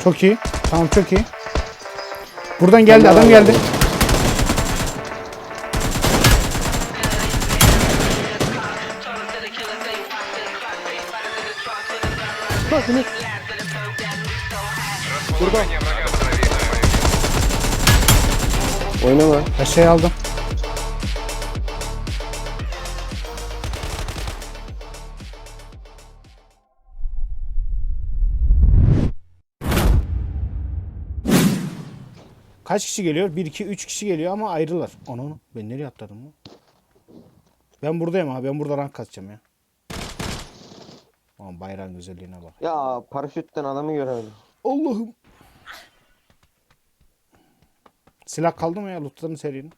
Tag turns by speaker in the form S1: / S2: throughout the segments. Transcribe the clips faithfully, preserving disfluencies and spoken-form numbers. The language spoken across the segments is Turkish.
S1: Çok iyi. Tamam çok iyi. Buradan geldi adam geldi.
S2: Bakın.
S3: Расположение врага проверено.
S2: Oynama.
S1: Aşağıya aldım. Kaç kişi geliyor? bir, iki, üç kişi geliyor ama ayrılar. Onu onu. Ben nereye atladım lan? Ben buradayım abi. Ben burada rank katacağım ya. Aman bayrağın güzelliğine bak.
S2: Ya paraşütten adamı göremedim.
S1: Allah'ım. Silah kaldı mı ya? Lootların serinin.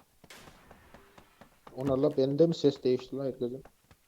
S4: Onlarla bende mi ses değişti lan herkesin?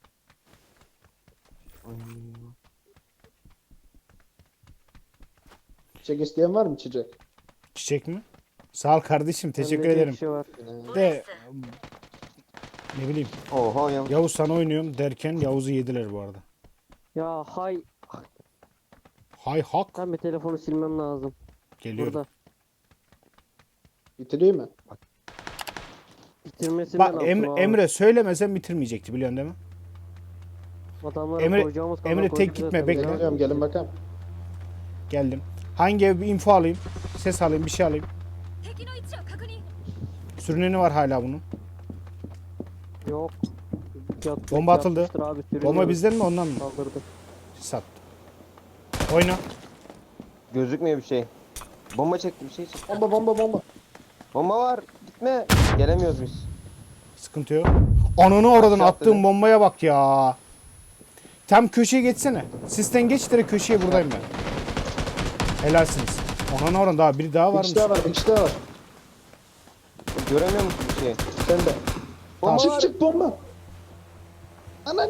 S4: Çiçek isteyen var mı çiçek?
S1: Çiçek mi? Sağ ol kardeşim. Teşekkür
S2: Bende bir
S1: ederim.
S2: şey var.
S1: De ne bileyim.
S2: Oha ya.
S1: Yavuz sana oynuyorum derken Yavuz'u yediler bu arada.
S5: Ya hay,
S1: Hay hak.
S5: ben bir telefonu silmem lazım.
S1: Geliyorum.
S5: Burada.
S4: Bitireyim mi?
S5: Bitirmesi
S1: Bak
S5: ben
S1: Em-
S5: yaptım abi.
S1: Emre söylemesen bitirmeyecekti biliyorsun değil mi?
S5: Adamlara
S1: Emre-
S5: koyacağımız kadar
S1: Emre tek
S5: koyduk
S1: gitme,
S5: zaten.
S1: bekle.
S4: Geliyorum gelin bakalım.
S1: Geldim. Hangi ev bir info alayım? Ses alayım bir şey alayım.
S6: 敵の位置を確認
S1: Sürüneni var hala bunun.
S5: Yok. Yat,
S1: Bomba atıldı.
S5: yatmıştır Abi, sürünüyor.
S1: Bomba bizden mi ondan mı?
S5: Kaldırdı.
S1: Sat. Oyna.
S2: Gözükmüyor bir şey. Bomba çekti bir şey çekti.
S4: Bomba bomba bomba.
S2: Bomba var. Gitme. Gelemiyoruz biz.
S1: Sıkıntı yok. Ananı oradan
S2: Aşağı
S1: attığım
S2: atladı.
S1: bombaya bak ya. Tam köşeye geçsene. Sisten geç direkt köşeye buradayım ben. Helalsiniz. Ananı oradan daha biri daha
S4: Bir
S1: varmış.
S4: kişi daha var, bir kişi daha var.
S2: Göremiyor musun bir şey?
S4: Sen de.
S2: Bomba
S4: Çık
S2: var.
S4: çık bomba. Ananı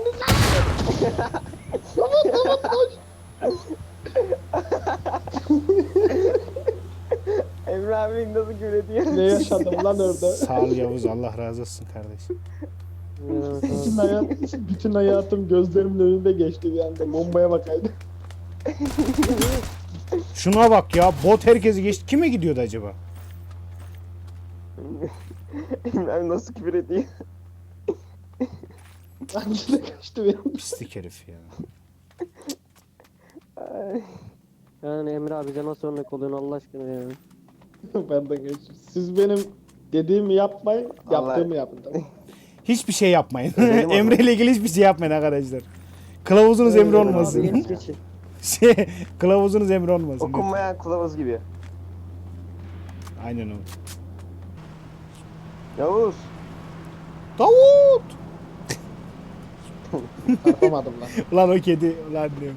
S4: Tamam tamam koş.
S2: Emre abi nasıl güle
S4: Ne yaşadım lan orada?
S1: Sağ ol Yavuz, Allah razı olsun kardeşim.
S5: Evet, evet.
S4: Bütün, hayat, bütün hayatım gözlerimin önünde geçti bir anda. Bombaya bakaydı.
S1: Şuna bak ya, bot herkesi geçti. Kime gidiyordu acaba?
S2: Emre abi nasıl küfür ediyor?
S4: Hangisi de kaçtı bir anda.
S1: Pislik herif ya.
S5: Yani Emre abi bize nasıl örnek oluyorsun Allah aşkına ya.
S4: Pardon geçtim. Siz benim dediğimi yapmayın,
S2: Allah-
S4: yaptığımı yapın. Tamam.
S1: Hiçbir şey yapmayın.
S2: Ödedim onu.
S1: Emre ile ilgili hiçbir şey yapmayın arkadaşlar. Kılavuzunuz Emre
S5: Abi
S1: olmasın.
S5: yenisi geçin.
S1: şey, kılavuzunuz Emre olmasın.
S2: Okunmayan kılavuz gibi.
S1: Aynen o.
S2: Yavuz.
S1: Davut!
S4: Yapamadım lan.
S1: Lan o kedi. Lan diyorum.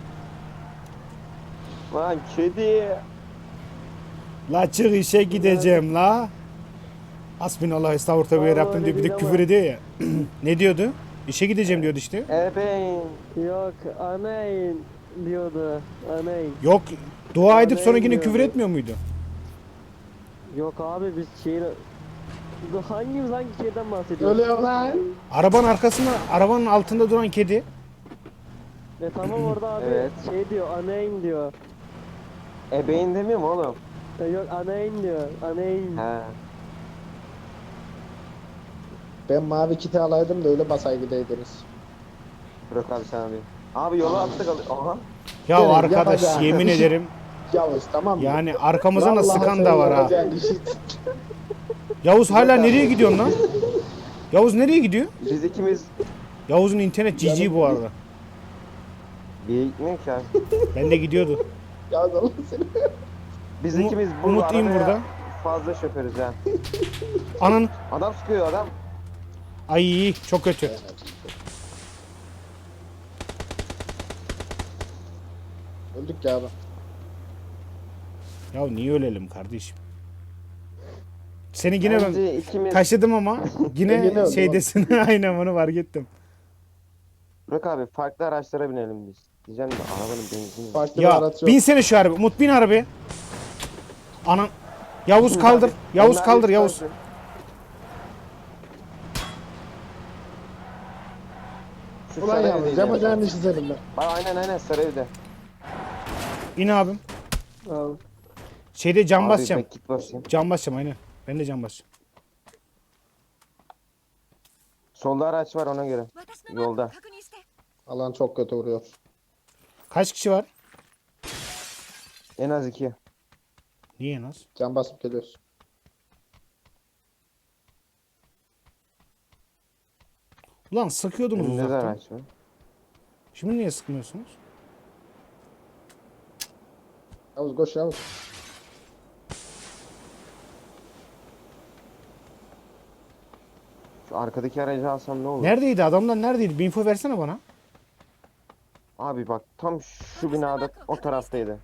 S2: Lan kedi.
S1: La çık işe gideceğim la. Hasbinallah estağfurullah ve
S5: Vallahi
S1: Rabbim diyor, bir de
S5: öyle
S1: küfür
S5: değil
S1: ediyor ya. Ne diyordu? İşe gideceğim diyordu işte.
S2: Ebeğin.
S5: Yok anayin diyordu. Anayin.
S1: Yok, dua edip sonra yine
S5: diyordu.
S1: küfür etmiyor muydu?
S5: Yok abi biz şeyin... Hangimiz hangi şeyden bahsediyoruz?
S4: Öyle lan.
S1: Arabanın arkasında, arabanın altında duran kedi.
S5: E tamam orada abi
S2: Evet.
S5: şey diyor anayin diyor.
S2: Ebeğin demiyor mu oğlum?
S5: E yok anayin diyor. Anayin.
S2: He.
S4: Ben mavi kiti alaydım da öyle basay gideydiniz.
S2: Bırak abi sen abi. Abi yola attık al. Aha.
S1: Ya
S4: Evet,
S1: arkadaş
S4: yapacağım.
S1: yemin ederim
S4: Yavuz tamam mı?
S1: yani arkamızdan da
S4: Vallahi
S1: sıkan
S4: sen
S1: da var ha.
S4: yapacağın işi-
S1: Yavuz hala nereye gidiyorsun lan? Yavuz nereye gidiyor?
S2: Biz ikimiz
S1: Yavuz'un internet cici bu arada.
S2: bir gitmiyor ki abi.
S1: Ben de gidiyordu.
S4: Yavuz Allah seni.
S2: Biz
S1: Umut-
S2: ikimiz bu
S1: Umutluyum
S2: arabaya
S1: burada.
S2: fazla şoförüz ha.
S1: Anan.
S2: Adam sıkıyor adam.
S1: Ay çok kötü.
S4: Öldük ya abi.
S1: Ya niye ölelim kardeşim? Seni yine ben
S2: Bence ikimiz.
S1: taşıdım ama
S4: Yine
S1: yine
S4: öldüm
S1: şeydesin. Aynen onu fark ettim.
S2: Bırak abi farklı araçlara binelim biz. Diyeceğim de arabanın benzini. yok.
S4: Farklı bir
S1: Ya
S4: araç yok.
S1: binsene şu araba. Umut bin arabaya. Anan. Yavuz kaldır. Yavuz
S2: Onlar
S1: kaldır
S2: üç
S1: Yavuz.
S2: tanesi. Şu
S4: Ulan
S2: sarı
S4: Yavuz
S2: evdeydi.
S4: yapacağın işi senin ben.
S2: Bak aynen aynen sarı evde.
S1: İn abim.
S5: Abi.
S1: Şeyde cam
S2: Abi
S1: basacağım.
S2: ben kit basayım.
S1: Cam basacağım aynen. Ben de cam basacağım.
S2: Solda araç var ona göre.
S6: 私のマークを
S2: Yolda.
S6: 確認して
S4: Alan çok kötü vuruyor.
S1: Kaç kişi var?
S2: En az iki.
S1: Niye en az?
S4: Can basıp geliyoruz.
S1: Ulan sıkıyordunuz
S2: Önünde de
S1: uzaktan.
S2: araç var.
S1: Şimdi niye sıkmıyorsunuz?
S4: Yavuz koş Yavuz.
S2: Şu arkadaki aracı alsam ne olur?
S1: Neredeydi? Adamlar neredeydi? Bir info versene bana.
S2: Abi bak tam şu binada o taraftaydı.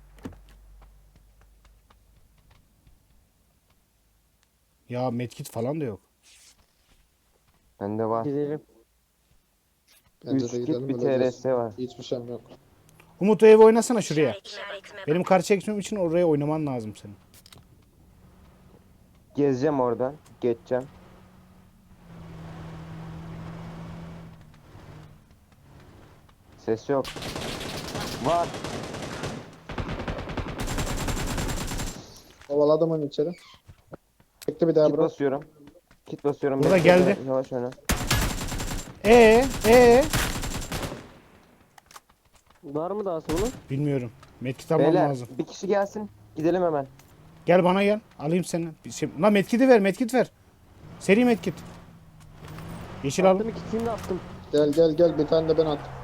S1: Ya medkit falan da yok.
S2: Bende var.
S5: Gidelim.
S4: Bence
S2: Üç
S4: de
S2: kit
S4: gidelim.
S2: bir
S4: öyle
S2: T R
S4: diyorsun.
S2: S var.
S4: Hiçbir şeyim yok.
S1: Umut o evi oynasana şuraya. Benim karşıya geçmem için oraya oynaman lazım senin.
S2: Gezeceğim oradan. Geçeceğim. Ses yok. Var.
S4: Kovaladım onu içeri. Bekle bir daha
S2: Kit
S4: bro.
S2: basıyorum. Kit basıyorum.
S1: Burada
S2: Bekle,
S1: geldi.
S2: Yavaş oyna.
S1: Ee, ee.
S5: Var mı daha sonra?
S1: Bilmiyorum. Medkit almam
S2: Beyler
S1: lazım.
S2: bir kişi gelsin. Gidelim hemen.
S1: Gel bana gel. Alayım seni. Bir şey... Lan medkiti ver, medkit ver. Seri medkit. Yeşil al.
S5: Attım ikisini de attım.
S4: Gel gel gel bir tane de ben attım.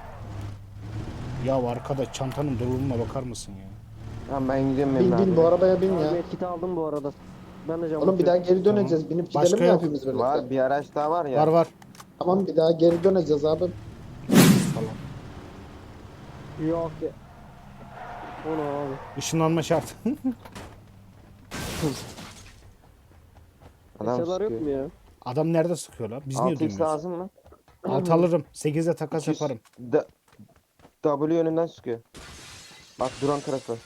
S1: Ya arkada çantanın doluluğuna bakar mısın ya?
S2: Tamam ben gidiyorum
S4: Bin
S2: Emre
S4: bin
S2: abi.
S4: bu arabaya bin ya.
S5: Abi etkiti aldım bu arada. Ben de cam
S4: Oğlum bir daha
S5: basıyorum.
S4: geri döneceğiz. Binip gidelim
S1: Başka
S4: mi
S1: yok.
S4: hepimiz birlikte?
S2: Var bir araç daha var ya.
S1: Var var.
S4: Tamam bir daha geri döneceğiz abi.
S1: Falan.
S5: Yok ya. O ne abi?
S1: Işınlanma şart.
S2: Adam
S5: Eşyalar yok
S2: sıkıyor.
S5: mu ya?
S1: Adam nerede sıkıyor lan? Biz niye
S2: altı x
S1: duymuyoruz?
S2: lazım mı?
S1: Alt alırım. sekizde takas
S2: iki yüz.
S1: yaparım.
S2: D W yönünden sıkıyor. Bak duran tarafı.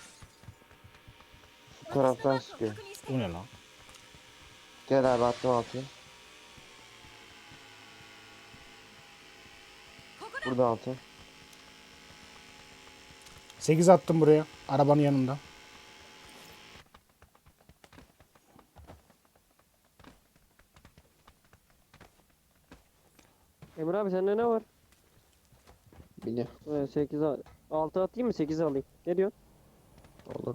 S2: Şu taraftan
S6: マークを
S2: sıkıyor.
S6: 確認して
S1: O ne lan?
S2: Gel abi attım altı.
S6: ここだ
S2: Burada altı.
S1: sekiz attım buraya. Arabanın yanında.
S5: Emre abi sende ne var?
S4: Bini.
S5: Evet, sekiz al. altı atayım mı? sekiz alayım. Ne diyorsun?
S4: Olur.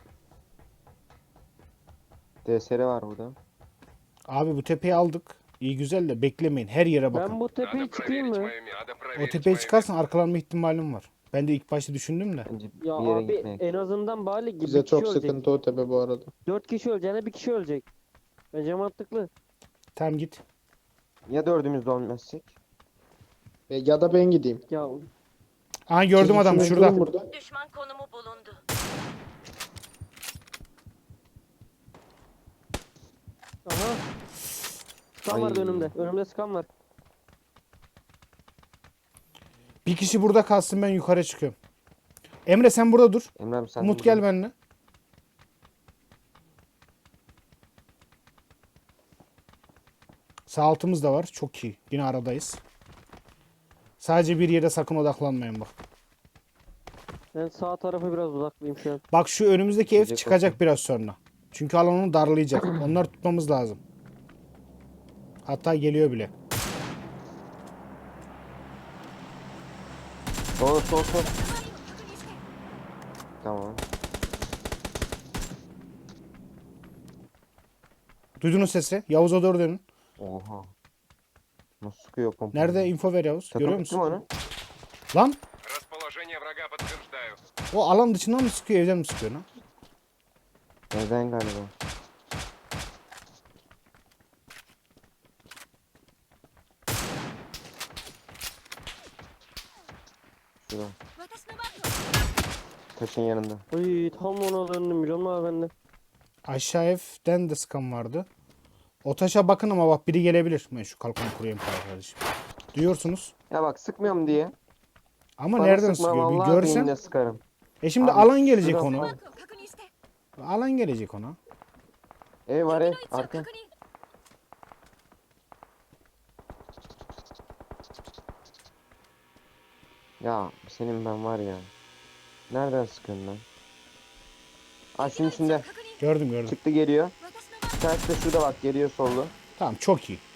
S2: D S R var burada.
S1: Abi bu tepeyi aldık. İyi güzel de beklemeyin. Her yere bakın.
S5: Ben bu tepeye
S3: Надо
S5: çıkayım
S3: проверить
S5: mı?
S3: мое ме- Надо
S1: O
S3: проверить
S1: tepeye
S3: мое
S1: çıkarsan arkalanma ihtimalim var. Ben de ilk başta düşündüm de.
S2: Bence
S5: Ya
S2: bir yere
S5: abi
S2: gitmeye.
S5: en azından bari gibi
S4: Bize
S5: bir kişi
S4: çok
S5: ölecek.
S4: sıkıntı o tepe bu arada.
S5: dört kişi öleceğine bir kişi ölecek. Bence mantıklı.
S1: Tamam git.
S2: Ya dördümüz de olmazsak?
S4: E, ya da ben gideyim.
S5: Ya
S1: Aha gördüm
S4: Siz
S1: adamı
S4: üçünüz
S1: şurada.
S4: durun burada.
S6: düşman konumu bulundu.
S5: aha. Skan var
S2: Ay.
S5: önümde. Önümde skan var.
S1: Bir kişi burada kalsın, ben yukarı çıkıyorum. Emre sen burada dur.
S2: Emre abi sen
S1: Umut
S2: de
S1: gel
S2: burada.
S1: benimle. Sağ altımız da var. Çok iyi. Yine aradayız. Sadece bir yere sakın odaklanmayın bak.
S5: Ben sağ tarafa biraz uzaklıyım şu an.
S1: Bak şu önümüzdeki ev
S2: Gidecek
S1: çıkacak
S2: olsun.
S1: biraz sonra. Çünkü alan onu darlayacak. Onları tutmamız lazım. Hatta geliyor bile.
S2: Sol sol sol.
S6: 周りを確認して
S2: Tamam.
S1: Duydunuz sesi. Yavuz'a doğru dönün.
S2: Oha. Nasıl sıkıyor pompa?
S1: Nerede? Info ver Yavuz. Görüyor
S2: Takıldık mı
S1: musun?
S2: onu?
S1: Lan
S3: Расположение врага подтверждаю.
S1: o alan dışından mı sıkıyor, evden mi sıkıyor lan?
S2: Neden galiba? Şurada.
S6: 私のマークを
S2: Taşın yanında.
S5: Ay tam ona döndüm biliyor musun abi bende?
S1: Aşağı evden de sıkan vardı. O taşa bakın ama bak biri gelebilir. Ben şu kalkanı kurayım kardeşim. Duyuyorsunuz.
S2: Ya bak sıkmıyorum diye.
S1: Ama
S2: Bana
S1: nereden
S2: sıkma,
S1: sıkıyor? Bir
S2: vallahi
S1: görsen.
S2: beynine sıkarım.
S1: E şimdi
S2: Abi,
S1: alan gelecek
S2: şurada-
S1: ona.
S6: マークを確認して
S1: Alan gelecek ona.
S2: Ev var
S6: 敵
S2: ev.
S6: の位置を
S2: Arka.
S6: 確認
S2: Ya senin ben var ya. Nereden sıkıyorsun lan? Ha şunun içinde.
S1: Gördüm gördüm.
S2: Çıktı geliyor.
S6: 私のマーク
S2: Bir tanesi de şurada bak geliyor sollu.
S1: Tamam çok iyi.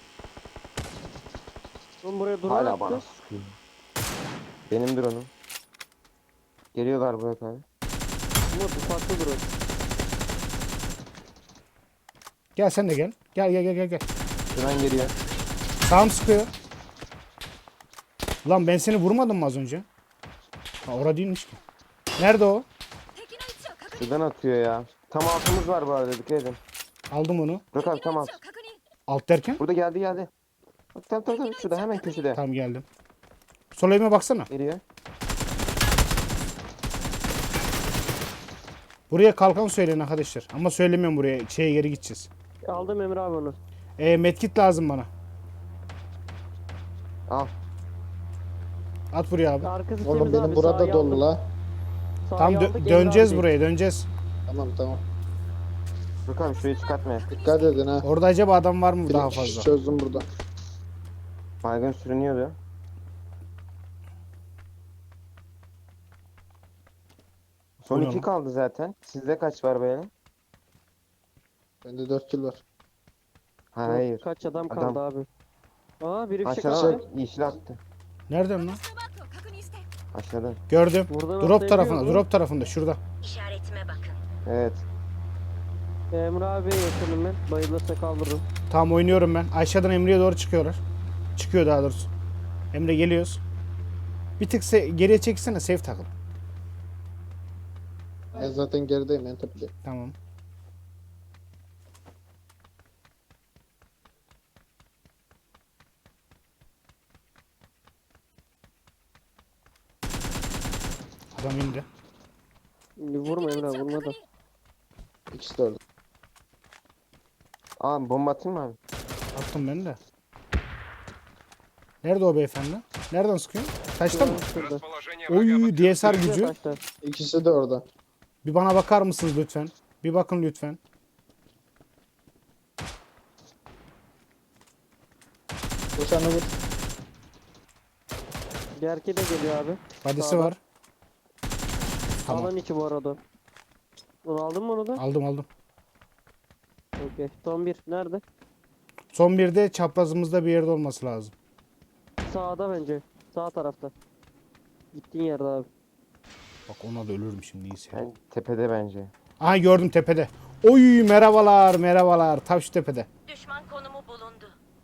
S5: Oğlum buraya duran
S2: Hala
S5: attı.
S2: bana sıkıyor. Benim drone'um. Geliyorlar Burak abi.
S5: Umut ufaklı duran.
S1: Gel sen de gel. Gel gel gel gel. gel.
S2: Şuradan geliyor.
S1: Sağım sıkıyor. Lan ben seni vurmadım mı az önce? Ha orada değilmiş ki. Nerede o?
S6: 敵の位置を確認
S2: Şuradan atıyor ya. Tam altımız var bu arada dikkat edin.
S1: Aldım onu.
S2: Burak abi
S6: 敵
S2: tam
S6: の位
S2: alt.
S6: 置を確認
S1: Alt derken?
S2: Burada geldi geldi. Bak tam tam tam şurada hemen köşede.
S1: Tamam geldim. Sol elime baksana.
S2: Geliyor.
S1: Buraya kalkan söyleyin arkadaşlar. Ama söylemiyorum buraya. Şeye geri gideceğiz.
S5: Aldım Emre abi onu.
S1: E, medkit lazım bana.
S2: Al.
S1: At buraya abi.
S5: Arkası
S4: Oğlum
S5: temiz
S4: benim
S5: abi,
S4: burada
S5: sağa
S4: dolu
S5: aldım.
S4: la.
S5: Sağa
S1: Tam dö-
S5: aldık, Emre
S1: döneceğiz
S5: abi.
S1: buraya döneceğiz.
S4: Tamam tamam.
S2: Burak abi şurayı çıkartma.
S4: Dikkat edin ha.
S1: Orada acaba adam var mı
S4: Bir
S1: daha
S4: kişi
S1: fazla?
S4: çözdüm burada.
S2: Baygın sürünüyordu. Son
S1: Bu ne
S2: iki
S1: lan?
S2: kaldı zaten. Sizde kaç var böyle?
S4: Bende dört kill var.
S2: Hayır.
S5: Kaç adam
S2: Adam.
S5: kaldı abi. Aa biri fişek
S2: Aşağıdan
S5: attı.
S2: bak, yeşil attı.
S1: Nereden lan?
S6: 私のマークを確認して
S2: Aşağıdan.
S1: Gördüm.
S5: Buradan
S1: Drop tarafında,
S5: atlayabiliyor
S1: drop tarafında şurada.
S6: işaretime bakın.
S2: Evet.
S5: Emre abi yakınım ben. Bayılırsa kaldırırım.
S1: Tamam oynuyorum ben. Aşağıdan Emre'ye doğru çıkıyorlar. Çıkıyor daha doğrusu. Emre geliyoruz. Bir tık se- geriye çeksene safe takıl.
S4: Ben zaten gerideyim en tepedeyim.
S1: Tamam. Adam indi.
S5: Vurma Emre abi,
S6: 敵の位置を
S5: vurma
S6: 確
S5: da.
S6: 認
S4: İkisi de orada.
S2: Aa bomba atayım mı abi?
S1: Attım ben de. Nerede o beyefendi? Nereden sıkıyor? Taşta mı?
S5: Şurada.
S3: Расположение врага
S1: Oy D S R
S5: Şurada
S1: gücü.
S5: taşta.
S4: İkisi de orada.
S1: Bir bana bakar mısınız lütfen? Bir bakın lütfen.
S4: Koşanı vur.
S5: Gerki de geliyor abi.
S1: Badisi
S5: Sağda.
S1: var. Tamam.
S5: Alan içi bu arada. Onu aldın mı onu da?
S1: Aldım aldım.
S5: Okey. Son bir. Nerede?
S1: Son bir de çaprazımızda bir yerde olması lazım.
S5: Sağda bence. Sağ tarafta. Gittiğin yerde abi.
S1: Bak ona da ölürüm şimdi iyisi.
S2: Yani tepede bence.
S1: Aha gördüm tepede. Oy merhabalar merhabalar. Tam şu tepede.
S6: Düşman konumu bulundu.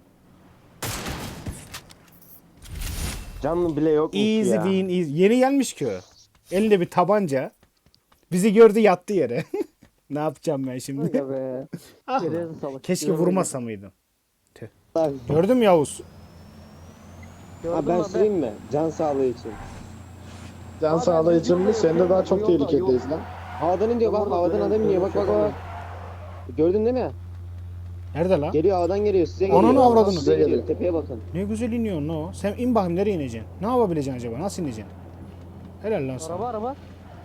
S2: Canlı bile yok
S1: Easy
S2: ya.
S1: win easy. Yeni gelmiş ki o. Elinde bir tabanca. Bizi gördü yattı yere. Ne yapacağım ben şimdi?
S5: Aga be.
S1: Ah,
S5: Geriye salak.
S1: keşke
S5: Görmedim.
S1: vurmasa mıydın?
S7: Abi,
S1: Gördün mü Yavuz?
S5: Gördün
S7: abi ben
S5: mü
S7: süreyim mi? Can sağlığı için.
S4: Can
S5: Abi,
S4: sağlığı için mi?
S5: biz
S4: Sen de daha çok
S5: yolda, yolda,
S4: tehlikedeyiz lan.
S7: Havadan iniyor bak,
S5: Orada
S7: havadan
S5: böyle-
S7: adam iniyor bak
S5: böyle
S7: bak
S5: şey
S7: bak. Gördün değil mi?
S1: Nerede lan?
S7: Geliyor, havadan geliyor, size
S1: Ananı
S7: geliyor.
S1: avradını.
S7: Size geliyor, tepeye bakın.
S1: Ne güzel iniyorsun o. Sen in bakayım nereye ineceksin? Ne yapabileceksin acaba? Nasıl ineceksin? Helal lan sana.
S5: Araba araba.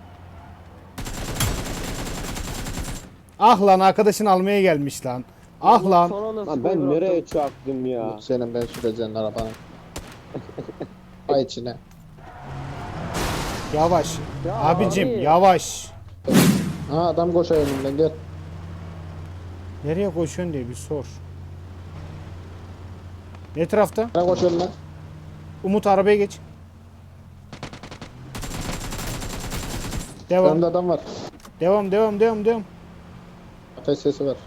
S1: Ah lan arkadaşın almaya gelmiş lan. Ah lan.
S5: Son anda
S7: Lan
S5: sıkmayı
S7: ben
S5: bıraktım.
S7: nereye çarptım ya?
S4: Umut senin ben süreceğin arabanın. Ay içine.
S1: Yavaş.
S5: Ya
S1: Abicim
S5: abi.
S1: yavaş.
S4: Ha adam koşuyor önümden gel.
S1: Nereye koşuyorsun diye bir sor. Ne tarafta?
S4: Ne koşuyorsun lan?
S1: Umut arabaya geç. Devam.
S4: Önümde adam var.
S1: Devam devam devam devam.
S4: Ateş sesi var.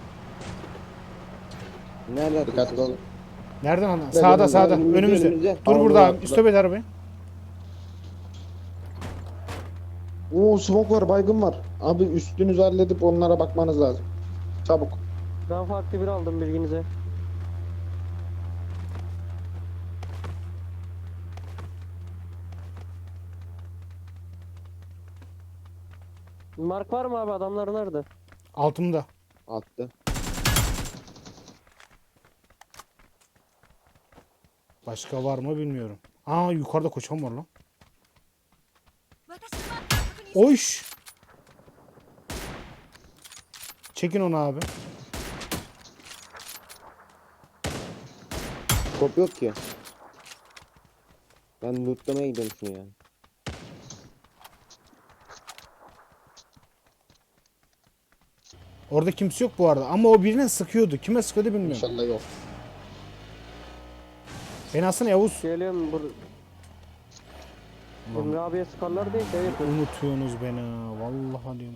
S7: Nerede
S4: Dikkatli
S7: atıyorsun?
S4: olun.
S1: Nereden ana?
S4: Ben
S1: Sağda
S4: önümde,
S1: sağda.
S7: önümüzde,
S1: Önümüzde.
S7: önümüzde.
S1: Dur
S4: Allah
S1: burada
S4: Allah.
S1: abi. Stop et arabayı.
S4: Oo smoke var, baygın var. Abi üstünüzü halledip onlara bakmanız lazım. Çabuk.
S5: Ben farklı bir aldım bilginize. Mark var mı abi, adamlar nerede?
S1: Altımda.
S7: Attı.
S1: Başka var mı bilmiyorum. Aa yukarıda koçan var lan.
S6: 私のマークを確認して
S1: Oyş. Çekin onu abi.
S7: Kop yok ki. Ben lootlamaya gidiyorum şunu ya.
S1: Orada kimse yok bu arada ama o birine sıkıyordu. Kime sıkıyordu bilmiyorum.
S4: İnşallah yok.
S1: Ben aslında Yavuz.
S5: Geliyorum burada. Emre abiye sıkarlar diye şey yapıyorum.
S1: Unutuyorsunuz beni ha. Vallahi diyorum.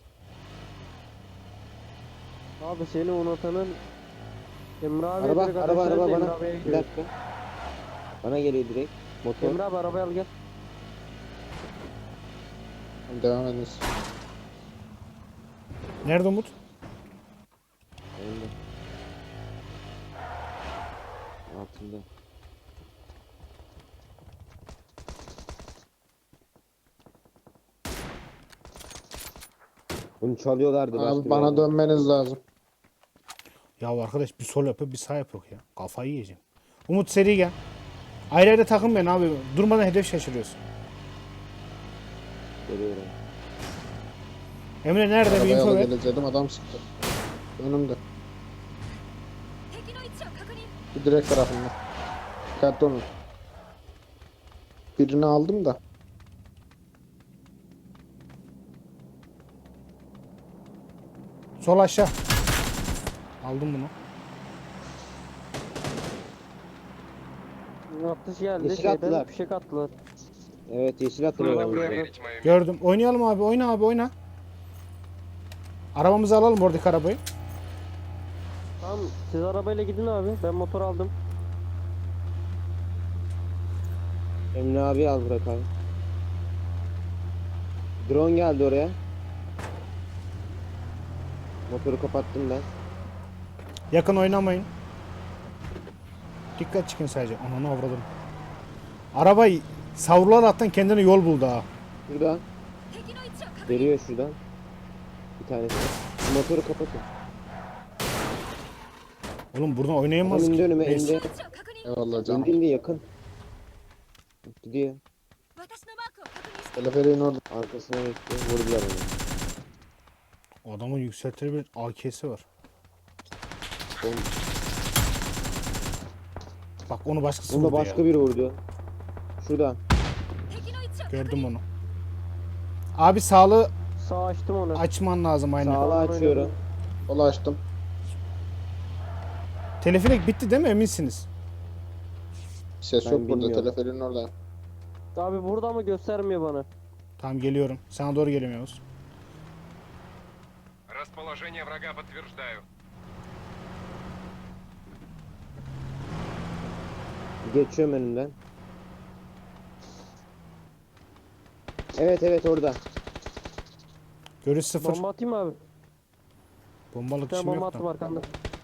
S5: Abi seni unutanın Emre abiye
S7: Araba
S5: direkt
S7: araba
S5: ateşlerse
S7: araba
S5: Emre
S7: bana.
S5: abiye
S7: Bir
S5: gidiyor.
S7: dakika. Bana geliyor direkt. Motor.
S5: Emre abi arabayı al gel.
S4: Tamam, devam ediniz.
S1: Nerede Umut?
S7: Önde. Altında. Bunu çalıyorlardı. başka
S4: Abi
S7: bir
S4: bana
S7: yerden.
S4: dönmeniz lazım.
S1: Ya arkadaş bir sol yapıyor bir sağ yapıyor ya. Kafayı yiyeceğim. Umut seri gel. Ayrı ayrı takım ben abi. Durmadan hedef şaşırıyorsun.
S7: Geliyorum.
S1: Emre nerede bir
S4: Arabaya
S1: info
S4: alıp
S1: ver.
S4: geleceğim, adam sıktı. Önümde.
S6: 敵の位置を確認。
S4: Bir direkt tarafında. Dikkatli olun. Birini aldım da.
S1: Sol aşağı. Aldım bunu.
S5: Atış geldi.
S7: Yeşil
S5: Şeyden
S7: attılar.
S5: fişek attılar.
S7: Evet yeşil atılıyor.
S5: Şuradan bir
S7: önümüze.
S5: yerden.
S3: Проверить мою
S1: Gördüm. Oynayalım abi. Oyna abi oyna. Arabamızı alalım oradaki arabayı.
S5: Tamam siz arabayla gidin abi. Ben motor aldım.
S7: Emre abi al bırak abi. Drone geldi oraya. Motoru kapattım ben.
S1: Yakın oynamayın. Dikkat çıkın sadece. Ananı avradım. Arabayı savrular attan kendine yol buldu ha.
S7: Şuradan.
S6: 敵の位置を確認。
S7: Geliyor şuradan. Bir tanesi. Şu motoru kapatın.
S1: Oğlum buradan oynayamaz
S7: Adam indi
S1: ki.
S7: önüme
S1: Neyse.
S7: indi.
S6: 位置を確認。
S4: Eyvallah canım.
S7: İndi indi yakın. Gidiyor.
S6: 私のマークを確認して。
S4: Teleferiğin orada.
S7: Arkasına geçti. Vurdular onu.
S1: Adamın yükseltilebilir A K'si var.
S7: Oğlum,
S1: Bak onu başkası
S7: Bunda
S1: vurdu
S7: başka
S1: ya.
S7: biri vurdu. Şurada.
S6: 敵の位置を確認。
S1: Gördüm onu. Abi sağlığı
S5: Sağ açtım onu.
S1: açman lazım aynen.
S7: Sağlı açıyorum.
S4: Kola açtım.
S1: Teleferik bitti değil mi eminsiniz?
S4: Ses
S7: Ben
S4: yok burada.
S7: bilmiyorum.
S4: Teleferiğin orada.
S5: Abi burada mı göstermiyor bana?
S1: Tamam geliyorum. Sana doğru geliyorum Yavuz.
S3: Расположение врага подтверждаю.
S7: Geçiyorum önünden. Evet evet orada.
S1: Görüş sıfır.
S5: Bomba atayım mı abi?
S1: Bombalık
S5: Bir tane
S1: işim
S5: bomba
S1: yok
S5: attım
S1: da.
S5: arkanda.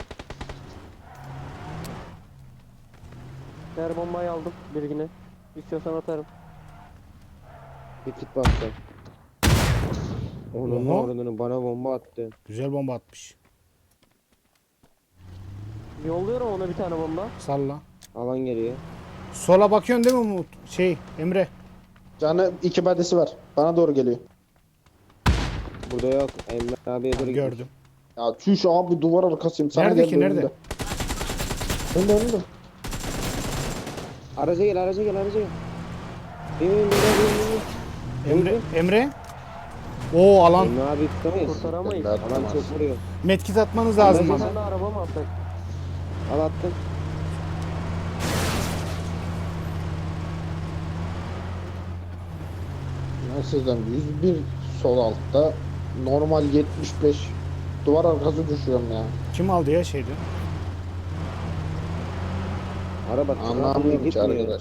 S5: Diğer bombayı aldım bilgine. İstiyorsan atarım.
S7: Bir kit bastı. Onun
S1: Oha.
S7: oranını bana bomba attı.
S1: Güzel bomba atmış.
S5: Yolluyorum ona bir tane bomba.
S1: Salla.
S7: Alan geliyor.
S1: Sola bakıyorsun değil mi Umut? Şey Emre.
S4: Canı iki badesi var. Bana doğru geliyor.
S7: Burada yok. Emre abiye doğru gitmiş.
S1: Gördüm.
S4: Ya çüş abi duvar arkasıyım. Sana
S1: Nerede
S4: geldi
S1: ki, nerede?
S4: önümde. Önümde önümde.
S7: Araca gel araca gel araca gel. Bin bin bin bin bin.
S1: Emre. Emre. Oo alan.
S7: Emre abi tutamayız.
S5: Kurtaramayız.
S4: Ben-
S7: Alan çok vuruyor.
S1: Medkit atmanız lazım
S7: Aracı-
S5: Bir
S1: bana.
S5: tane araba mı atsak?
S7: Al attım.
S4: Ben sizden yüz bir sol altta. Normal yetmiş beş. Duvar arkası düşüyorum ya.
S1: Kim aldı ya şeydi?
S7: Araba tırnakla
S4: Anlamıyorum ki
S7: gitmiyor.
S4: arkadaş.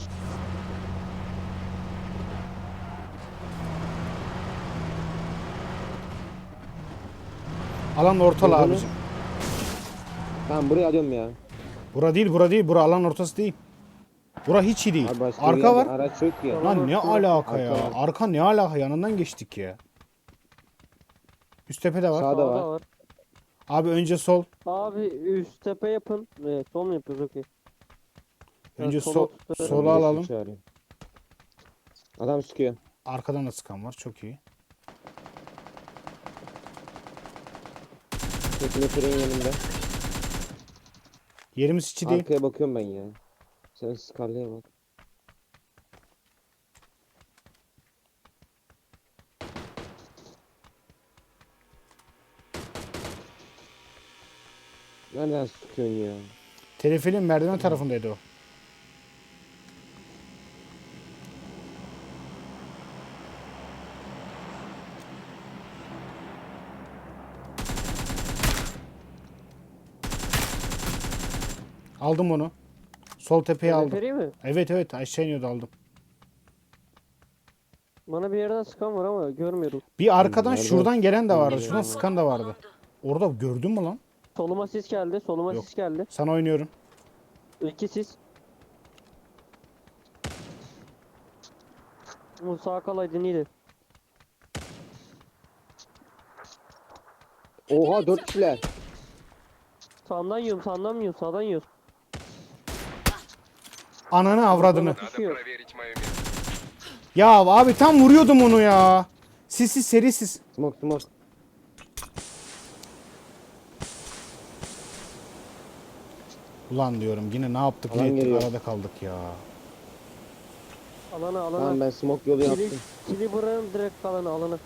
S1: Alan ortalı
S7: Gördün mü?
S1: abicim.
S7: Tamam buraya alıyorum ya.
S1: Bura değil bura değil. Bura alan ortası değil. Bura hiç iyi değil.
S7: Abi başka bir
S1: Arka
S7: yerde
S1: var.
S7: Araç yok ya.
S1: Lan ne alaka ya?
S7: Arka var.
S1: Arka ne alaka? Yanından geçtik ya. Üst tepede var.
S7: Sağda
S5: Sağda
S7: var.
S5: var.
S1: Abi önce sol.
S5: Abi üst tepe yapın. Evet, sol mu yapıyoruz okey.
S1: Önce
S5: Evet,
S1: sol.
S5: sola tutarım.
S1: Sola alalım.
S7: Çağırıyor. Adam sıkıyor.
S1: Arkadan da sıkan var. Çok iyi.
S7: Teknetörün yanında.
S1: Yerimiz içi değil.
S7: Arkaya bakıyorum ben ya. Sen Scarlet'e bak. Nereden sıkıyorsun ya?
S1: Telefilin merdiven tarafındaydı o. Aldım onu. Sol tepeye aldım.
S5: Teleferiği mi?
S1: Evet evet aşağı iniyordu aldım.
S5: Bana bir yerden sıkan var ama görmüyorum.
S1: Bir arkadan
S7: Nerede?
S1: şuradan gelen de vardı. Şuradan sıkan da vardı. Orada gördün mü lan?
S5: Soluma sis geldi. Soluma
S1: Yok.
S5: sis geldi.
S1: Sana oynuyorum.
S5: İki sis. Bu sağ kalaydın iyiydi.
S7: Oha dört kişiler.
S5: Sağından yiyorum, sağından yiyorum, sağdan yiyorum.
S1: Ananı avradını.
S3: Надо
S5: Düşüyor.
S3: проверить мое место.
S1: Ya abi tam vuruyordum onu ya. Sissiz serisiz.
S7: Smoke smoke.
S1: Ulan diyorum yine ne yaptık
S7: Alan
S1: ne ettik
S7: geliyor.
S1: arada kaldık ya.
S5: Alana, alana.
S7: Tamam ben smoke yolu
S5: Kili,
S7: yaptım.
S5: kili bırakın direkt alana, alana.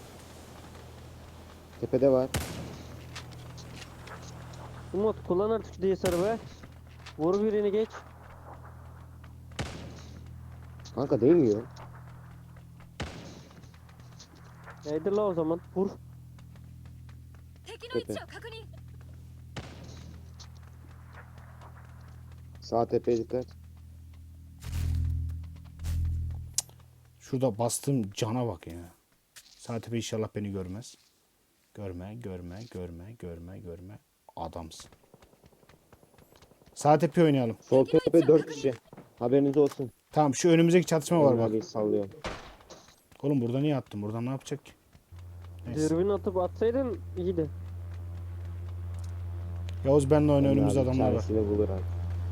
S7: Tepede var.
S5: Umut kullan artık diye sarı be. Vur birini geç.
S7: Kanka değmiyor.
S5: Neydi la o zaman? Vur.
S6: 敵の位置を確認
S7: Sağ tepeye dikkat.
S1: Şurada bastığım cana bak ya. Saatipe inşallah beni görmez. Görme, görme, görme, görme, görme. Adamsın. Saatipe oynayalım.
S7: Sol tepe dört kişi. Haberiniz olsun.
S1: Tamam şu önümüzdeki çatışma var
S7: Emre
S1: bak.
S7: abi sallıyorum.
S1: Oğlum burada niye attın? Buradan ne yapacak ki? Neyse.
S5: Dürbün atıp atsaydın iyiydi.
S1: Yavuz benle oyna
S7: Emre
S1: önümüzde
S7: abi
S1: adamlar var.
S7: çaresini bulur abi.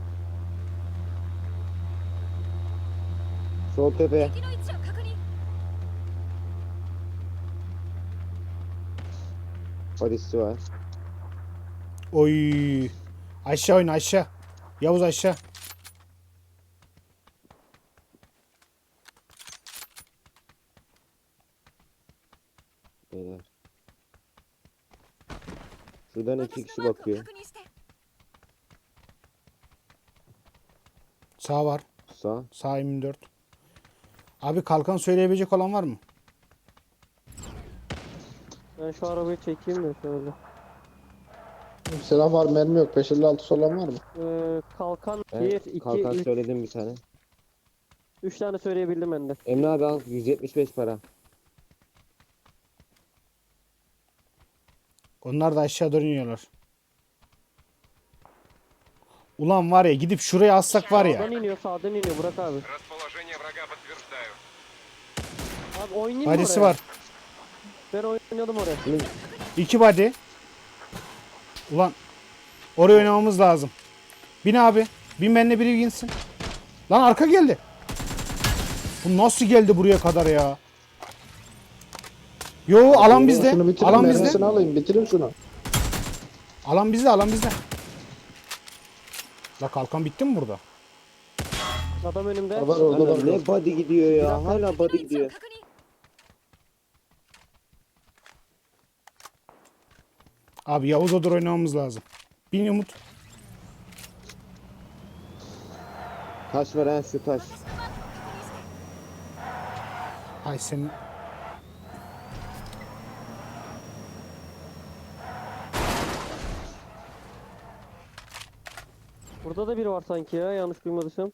S7: Sol tepe.
S6: 敵の位置を確認
S7: Badisi var.
S1: Oy. Aşağı oyna aşağı. Yavuz aşağı.
S7: Beyler. Şuradan
S6: 私
S7: iki
S6: の
S7: kişi
S6: マークを
S7: bakıyor.
S6: 確認して
S1: Sağ var.
S7: Sağ.
S1: Sağ yirmi dört. Abi kalkan söyleyebilecek olan var mı?
S5: Ben şu arabayı çekeyim de şöyle.
S4: Silah var, mermi yok. beş elli altı olan var mı?
S5: Ee, kalkan
S7: Ben
S5: bir, iki,
S7: kalkan
S5: üç.
S7: söyledim bir tane.
S5: Üç tane söyleyebildim ben de.
S7: Emre abi al yüz yetmiş beş para.
S1: Onlar da aşağı doğru iniyorlar. Ulan var ya gidip şuraya assak var ya.
S5: Sağdan iniyor, sağdan iniyor Burak abi.
S3: Расположение врага подтверждаю.
S5: Abi oynayayım mı
S1: Badisi
S5: oraya?
S1: var.
S5: Ben oynadım oraya.
S1: İki body. Ulan oraya oynamamız lazım. Bin abi. Bin benimle biri binsin. Lan arka geldi. Bu nasıl geldi buraya kadar ya? Yo alan bizde.
S4: Şunu bitirin,
S1: Alan
S4: mermisini
S1: bizde.
S4: alayım. Bitirin şunu.
S1: Alan bizde, alan bizde. La kalkan bitti mi burada?
S5: Adam önümde.
S4: Var orada
S7: Hala
S4: var.
S7: ne body gidiyor ya. Hala
S6: 敵
S7: body
S6: の位置を
S7: gidiyor.
S6: 確認
S1: Abi Yavuz Odur oynamamız lazım. Bin Umut.
S7: Taş var ha şu taş.
S6: 私のマークを確認して
S1: Ay senin.
S5: Burada da biri var sanki ya, yanlış duymadıysam.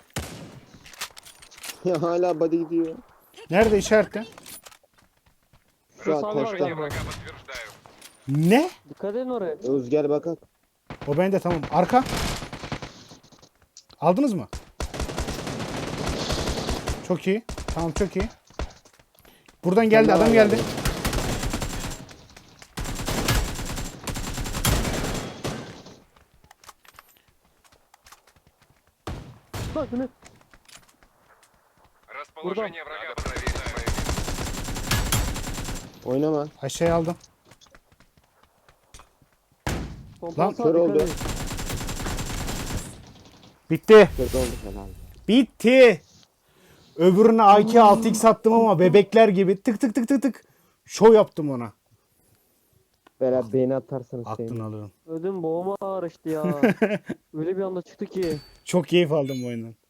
S7: Ya hala body gidiyor.
S1: Nerede işaretle?
S7: Şu an
S5: Sağ var
S7: taşta.
S3: Расположение
S5: galiba.
S3: врага подтверждаю.
S1: Ne?
S5: Dikkat edin oraya.
S7: Yavuz gel bakalım.
S1: O bende tamam. Arka. Aldınız mı? Çok iyi. Tamam çok iyi. Buradan geldi
S7: daha
S1: adam
S7: var
S1: geldi.
S7: yani.
S5: Bak ne?
S3: Расположение врага подтверждаю.
S7: Oynama.
S1: Aşağıya aldım.
S5: Pompalı sağ,
S7: kör
S5: dikkat
S7: oldu.
S5: edin.
S1: Bitti.
S7: Kötü oldu helal.
S1: Bitti. Öbürüne A K altı x attım ama bebekler gibi tık tık tık tık tık. Şov yaptım ona.
S7: Bela beni atarsınız
S1: Aklını
S7: şeyini.
S1: alırım.
S5: Ödüm boğuma ağrıştı ya. Öyle bir anda çıktı ki.
S1: Çok keyif aldım bu oyundan.